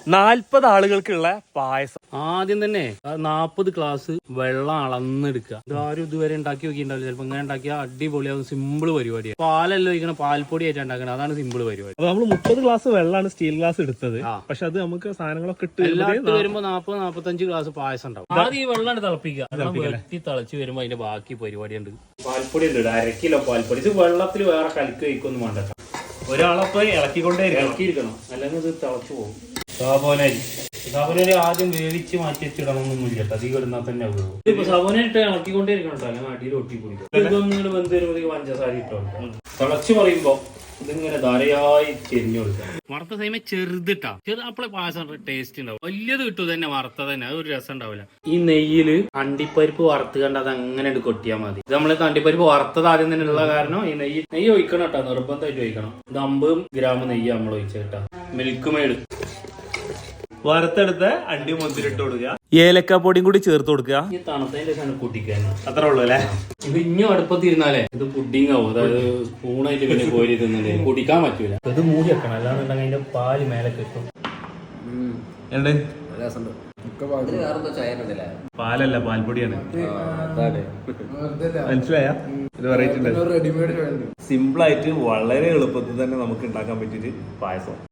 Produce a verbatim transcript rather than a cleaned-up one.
നാല്പത് ആളുകൾക്കുള്ള പായസം. ആദ്യം തന്നെ നാപ്പത് ഗ്ലാസ് വെള്ളം അളന്നെടുക്കുക. ഇതാരും ഇതുവരെ ഉണ്ടാക്കി നോക്കിയിട്ടുണ്ടാവില്ല. ചിലപ്പോ ഇങ്ങനെ ഉണ്ടാക്കിയാൽ അടിപൊളിയാവും. സിമ്പിൾ പരിപാടിയാണ്. പാലല്ലോ ഒഴിക്കണം, പാൽപ്പൊടി ആയിട്ട് ഉണ്ടാക്കണം. അതാണ് സിമ്പിൾ പരിപാടി. അപ്പൊ നമ്മൾ മുപ്പത് ഗ്ലാസ് വെള്ളമാണ് സ്റ്റീൽ ഗ്ലാസ് എടുത്തത്. പക്ഷെ അത് നമുക്ക് സാധനങ്ങളൊക്കെ ഇട്ട് എല്ലാത്ത് വരുമ്പോ നാപ്പത് നാപ്പത്തഞ്ച് ഗ്ലാസ് പായസം ഉണ്ടാവും. ആദ്യം ഈ വെള്ളം തിളപ്പിക്കുക. വെട്ടി തിളച്ച് വരുമ്പോ അതിന്റെ ബാക്കി പരിപാടി ഉണ്ട്. പാൽപ്പൊടി ഉണ്ട്, അര കിലോ പാൽപ്പൊടി. ഇത് വെള്ളത്തിൽ വേറെ കലക്ക് കഴിക്കൊന്നും വേണ്ട. ഒരാളപ്പോ ഇളക്കിക്കൊണ്ടേ ഇളക്കിയിരിക്കണം, അല്ലെങ്കിൽ ഇത് തിളച്ചു പോകും. സാബോനരി സാബോനരി ആദ്യം വേവിച്ച് മാറ്റി വെച്ചിടണമെന്നൊന്നും ഇല്ല. അധികം ഇടുന്നാൽ തന്നെ ആവുള്ളൂ. ഇപ്പൊ സാബോനായിട്ട് ഇളക്കിക്കൊണ്ടേ ഇരിക്കണം കേട്ടോ, അല്ലെങ്കിൽ അടിയിൽ ഒട്ടി പിടിക്കും. ഇതൊന്നും വെന്ത് വരുമ്പോഴേക്ക് പഞ്ചസാര ഇട്ടോണ്ട് തിളച്ചു പറയുമ്പോ ഇതിങ്ങനെ ധാരയായി ചെരിഞ്ഞു കൊടുക്കാം. വറുത്ത സമയം ചെറുതിട്ടാ ചെറു അപ്പളെ പായസം ടേസ്റ്റ് ഉണ്ടാവും. വലിയത് കിട്ടും തന്നെ വറുത്ത തന്നെ, അത് ഒരു രസം ഉണ്ടാവില്ല. ഈ നെയ്യില് അണ്ടിപ്പരിപ്പ് വറുത്ത് കണ്ട് അത് അങ്ങനെ കൊട്ടിയാൽ മതി. ഇത് നമ്മള് അണ്ടിപ്പരിപ്പ് വറുത്തത് ആദ്യം തന്നെ ഉള്ള കാരണം ഈ നെയ്യ് നെയ്യ് ഒഴിക്കണം കേട്ടോ, നിർബന്ധമായിട്ട് ഒഴിക്കണം. ഇത് അമ്പത് ഗ്രാം നെയ്യ് നമ്മൾ ഒഴിച്ച കേട്ടോ. മിൽക്ക് മെയ്ഡ് വറുത്തെടുത്ത അണ്ടി മുന്തിരിട്ട് കൊടുക്കുക, ഏലക്ക പൊടിയും കൂടി ചേർത്ത് കൊടുക്കുക. ഈ തണുത്തതിന്റെ ശേഷം കുട്ടിക്കാൻ അത്രേ ഉള്ളൂ അല്ലേ. ഇത് ഇഞ്ഞും അടുപ്പത്തിരുന്നാലേ ഇത് പുഡിങ് ആവും. അതായത് സ്പൂണായിട്ട് പിന്നെ കോരി തിന്നില്ലേ, കുടിക്കാൻ പറ്റൂല. ഇത് മൂടി വെക്കണം, അല്ലാന്നുണ്ടെങ്കിൽ അതിന്റെ പാല് മേലെ കിട്ടും. പാലല്ല, പാൽപ്പൊടിയാണ്. മനസ്സിലായ? ഇത് വെറൈറ്റി സിമ്പിൾ ആയിട്ട് വളരെ എളുപ്പത്തിൽ തന്നെ നമുക്ക് ഉണ്ടാക്കാൻ പറ്റിയിട്ട് പായസം.